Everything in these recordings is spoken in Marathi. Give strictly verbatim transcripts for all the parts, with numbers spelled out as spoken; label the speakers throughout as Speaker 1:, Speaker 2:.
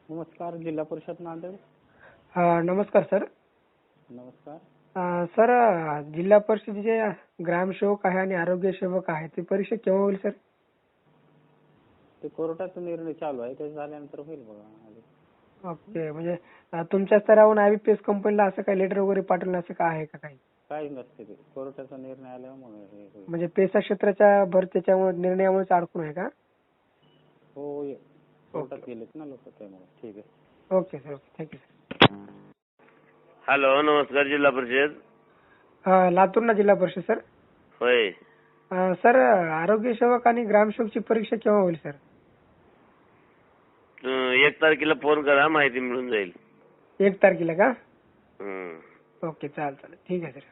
Speaker 1: नमस्कार, जिल्हा परिषद नांदेड.
Speaker 2: हा, नमस्कार सर.
Speaker 1: नमस्कार.
Speaker 2: अ, सर अ, जिल्हा परिषदेचे ग्रामसेवक आहे आणि आरोग्य सेवक आहे ते परीक्षा केव्हा होईल सर?
Speaker 1: ते कोर्टाचा निर्णय चालू आहे, ते झाल्यानंतर होईल बघा.
Speaker 2: ओके, म्हणजे अ, तुमच्या स्तरावरून आयबीपीएस कंपनीला असं काही लेटर वगैरे पाठवलं असं काय आहे का काही?
Speaker 1: काही नसते, ते कोर्टाचा निर्णय आल्यामुळे हे होईल.
Speaker 2: म्हणजे पेसा क्षेत्राच्या भरतीच्यामुळे निर्णयामुळेच अडकून आहे का?
Speaker 1: हो, ये. कोर्टात गेलेत ना लोक, त्यामुळे. ठीक आहे.
Speaker 2: Okay sir, okay, thank you sir.
Speaker 3: Hello, नमस्कार. जिल्हा परिषद.
Speaker 2: अ, लातूरला जिल्हा परिषद सर.
Speaker 3: होय.
Speaker 2: अ, सर आरोग्य सेवक आणि ग्रामसेवकची परीक्षा केव्हा होईल सर?
Speaker 3: अं, एक तारखेला फोन करा, माहिती मिळून जाईल.
Speaker 2: एक तारखेला का?
Speaker 3: हं.
Speaker 2: ओके, चालेल चालेल, ठीक आहे सर.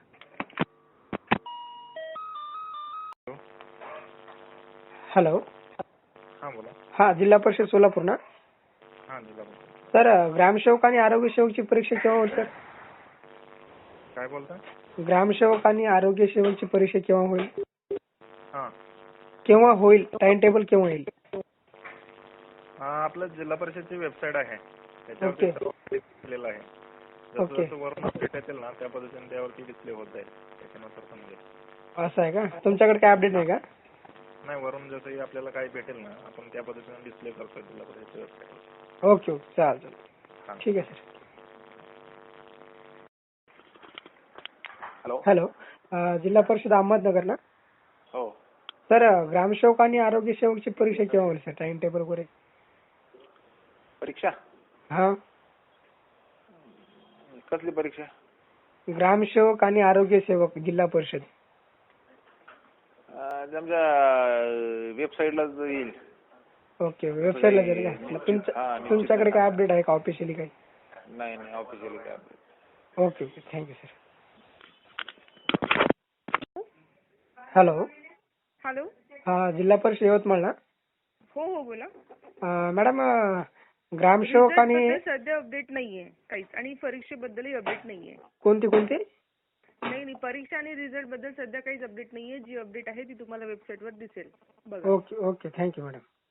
Speaker 2: हॅलो.
Speaker 4: हा बोला.
Speaker 2: हा, जिल्हा परिषद सोलापूर ना?
Speaker 4: हा जिल्हा परिषद.
Speaker 2: सर ग्रामसेवक आणि आरोग्य सेवकची परीक्षा केव्हा होईल सर?
Speaker 4: काय बोलता?
Speaker 2: ग्रामसेवक आणि आरोग्य सेवकची परीक्षा केव्हा होईल?
Speaker 4: हा
Speaker 2: केव्हा होईल, टाइम टेबल केव्हा येईल?
Speaker 4: हा, आपलं जिल्हा परिषदची वेबसाईट आहे,
Speaker 2: ओके.
Speaker 4: त्याच्यावरती सर्व दिलेलं आहे. जसं
Speaker 2: ओके.
Speaker 4: जसं वरून अपडेट येतील ना, त्या पद्धतीने त्यावरती डिस्प्ले होत जाईल, त्याच्यानुसार समजेल.
Speaker 2: असं आहे का? तुमच्याकडे काय अपडेट नाही का?
Speaker 4: नाही, वरून जसंही आपल्याला काही भेटेल ना, आपण त्या पद्धतीने डिस्प्ले करतो जिल्हा परिषदच्या वेबसाईटवर.
Speaker 2: ओके ओके, चालेल चालेल, ठीक आहे सर.
Speaker 4: हॅलो.
Speaker 2: हॅलो. अ, जिल्हा परिषद अहमदनगर ना?
Speaker 4: हो.
Speaker 2: सर ग्रामसेवक आणि आरोग्य सेवकची परीक्षा केव्हा होईल सर, टाइम टेबल वगैरे?
Speaker 4: परीक्षा
Speaker 2: हा,
Speaker 4: कसली परीक्षा?
Speaker 2: ग्रामसेवक आणि आरोग्य सेवक जिल्हा परिषद.
Speaker 4: आमच्या वेबसाईटला येईल.
Speaker 2: ओके, वेबसाईटला जाईल का? तुमच्या तुमच्याकडे काय अपडेट आहे का ऑफिशियली काही?
Speaker 4: नाही नाही, ऑफिशियली काय update.
Speaker 2: Okay okay, thank you sir. Hello.
Speaker 5: Hello.
Speaker 2: हा, जिल्हा परिषद यवतमाळ ना?
Speaker 5: हो हो, बोला.
Speaker 2: अ, मॅडम अ, ग्रामसेवक आणि
Speaker 5: रिझल्टबद्दल सध्या अपडेट नाहीये काहीच, आणि परीक्षेबद्दलही अपडेट नाहीये.
Speaker 2: कोणती कोणती?
Speaker 5: नाही नाही, परीक्षा आणि रिझल्ट बद्दल सध्या काहीच अपडेट नाहीये. जी अपडेट आहे ती तुम्हाला वेबसाईटवर दिसेल, बघा.
Speaker 2: Okay okay, thank you madam.